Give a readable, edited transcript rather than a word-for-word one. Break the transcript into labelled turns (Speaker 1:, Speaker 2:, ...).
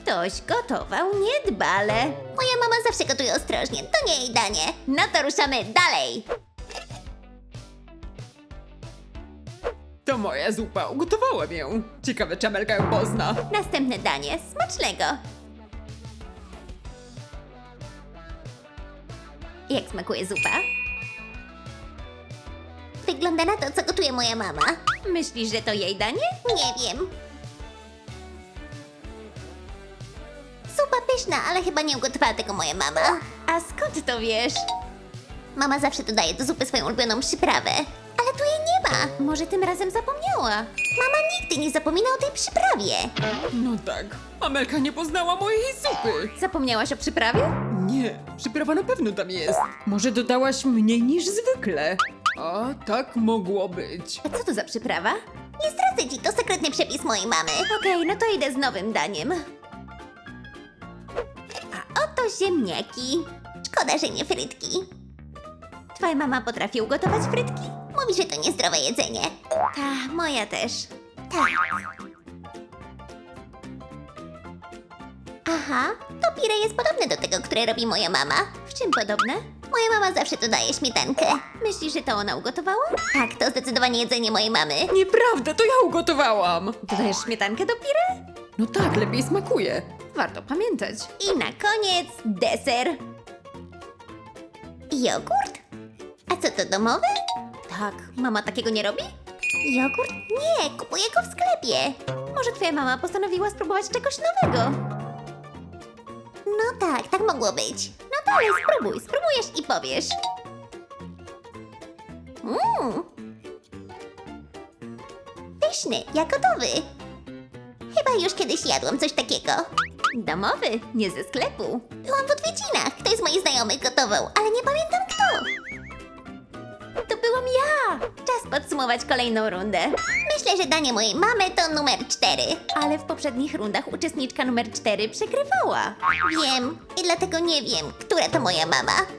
Speaker 1: Ktoś gotował niedbale.
Speaker 2: Moja mama zawsze gotuje ostrożnie, to nie jej danie.
Speaker 1: No to ruszamy dalej.
Speaker 3: To moja zupa, ugotowałem ją. Ciekawe, czy Amelka ją pozna.
Speaker 1: Następne danie. Smacznego. Jak smakuje zupa?
Speaker 2: Wygląda na to, co gotuje moja mama.
Speaker 1: Myślisz, że to jej danie?
Speaker 2: Nie wiem. Zupa pyszna, ale chyba nie ugotowała tego moja mama.
Speaker 1: A skąd to wiesz?
Speaker 2: Mama zawsze dodaje do zupy swoją ulubioną przyprawę. Ale tu jej nie ma.
Speaker 1: Może tym razem zapomniała.
Speaker 2: Mama nigdy nie zapomina o tej przyprawie.
Speaker 3: No tak, Amelka nie poznała mojej zupy.
Speaker 1: Zapomniałaś o przyprawie?
Speaker 3: Nie, przyprawa na pewno tam jest. Może dodałaś mniej niż zwykle. A tak mogło być.
Speaker 1: A co to za przyprawa?
Speaker 2: Nie zdradzę ci, to sekretny przepis mojej mamy.
Speaker 1: Okej, no to idę z nowym daniem. A oto ziemniaki.
Speaker 2: Szkoda, że nie frytki.
Speaker 1: Twoja mama potrafi ugotować frytki?
Speaker 2: Mówi, że to niezdrowe jedzenie.
Speaker 1: Ta, moja też.
Speaker 2: Tak. Aha, to pire jest podobne do tego, które robi moja mama.
Speaker 1: W czym podobne?
Speaker 2: Moja mama zawsze dodaje śmietankę.
Speaker 1: Myślisz, że to ona ugotowała?
Speaker 2: Tak, to zdecydowanie jedzenie mojej mamy.
Speaker 3: Nieprawda, to ja ugotowałam.
Speaker 1: Dodajesz śmietankę do pire?
Speaker 3: No tak, lepiej smakuje.
Speaker 1: Warto pamiętać. I na koniec deser.
Speaker 2: Jogurt? A co to, domowy?
Speaker 1: Tak, mama takiego nie robi?
Speaker 2: Jogurt? Nie, kupuję go w sklepie.
Speaker 1: Może twoja mama postanowiła spróbować czegoś nowego?
Speaker 2: No tak, tak mogło być.
Speaker 1: No dalej, spróbuj, spróbujesz i powiesz.
Speaker 2: Pyszny, jak gotowy. Chyba już kiedyś jadłam coś takiego.
Speaker 1: Domowy, nie ze sklepu.
Speaker 2: Byłam w odwiedzinach. Ktoś z moich znajomych gotował, ale nie pamiętam kto.
Speaker 1: To byłam ja! Czas podsumować kolejną rundę.
Speaker 2: Myślę, że danie mojej mamy to numer 4.
Speaker 1: Ale w poprzednich rundach uczestniczka numer 4 przegrywała.
Speaker 2: Wiem i dlatego nie wiem, która to moja mama.